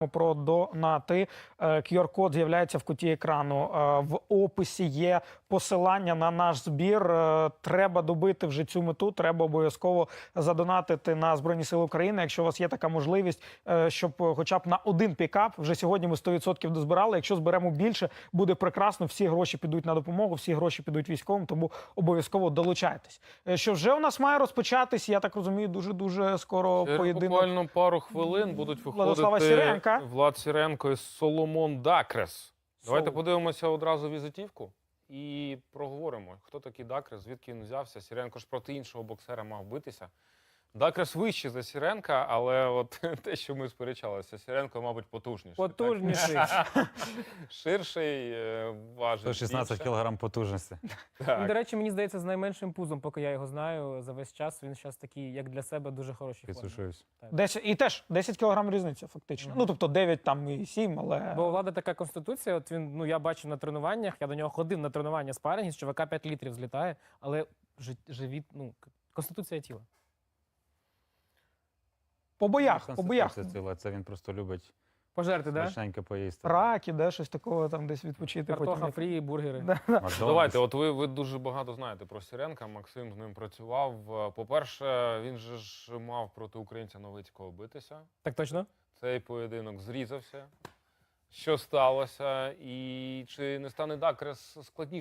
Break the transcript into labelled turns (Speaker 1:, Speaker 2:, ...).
Speaker 1: Про донати. QR-код з'являється в куті екрану. В описі є посилання на наш збір. Треба добити вже цю мету, треба обов'язково задонатити на Збройні Сили України, якщо у вас є така можливість, щоб хоча б на один пікап, вже сьогодні ми 100% дозбирали, якщо зберемо більше, буде прекрасно, всі гроші підуть на допомогу, всі гроші підуть військовим, тому обов'язково долучайтесь. Що вже у нас має розпочатись, я так розумію, дуже-дуже скоро поєдинок.
Speaker 2: Буквально пару хвилин будуть
Speaker 1: Владислава
Speaker 2: виходити
Speaker 1: Сіренка.
Speaker 2: Влад Сіренко і Соломон Дакрес. Давайте подивимося одразу візитівку і проговоримо, хто такий Дакрес, звідки він взявся. Сіренко ж проти іншого боксера мав битися. Дакрес вищий за Сіренка, але от те, що ми сперечалися, Сіренко, мабуть, потужніший.
Speaker 3: Потужніший.
Speaker 2: Ширший, важить
Speaker 4: 116
Speaker 2: більше.
Speaker 4: кілограм потужності.
Speaker 3: Він, до речі, мені здається, з найменшим пузом, поки я його знаю, за весь час. Він зараз такий, як для себе, дуже хороший формі.
Speaker 4: Підсушуюсь.
Speaker 1: 10, і теж 10 кілограм різниця, фактично. Ну, тобто 9 там і 7, але...
Speaker 3: Бо у Влада така конституція, от він, ну, я бачив на тренуваннях, я до нього ходив на тренування спарингів, з чувака 5 літрів злітає, але живіт, ну, конституція тіла.
Speaker 1: По боях, по боях.
Speaker 4: Це він просто любить
Speaker 3: Пожерти, да?
Speaker 4: смачненько поїсти.
Speaker 1: Раки, де щось такого там десь відпочити.
Speaker 3: Картоха фрі, бургери.
Speaker 4: Макдональдс.
Speaker 2: Давайте, от ви дуже багато знаєте про Сіренка, Максим з ним працював. По-перше, він же ж мав проти українця Новицького битися.
Speaker 3: Так точно?
Speaker 2: Цей поєдинок зрізався. Що сталося? І чи не стане Дакрес складніше?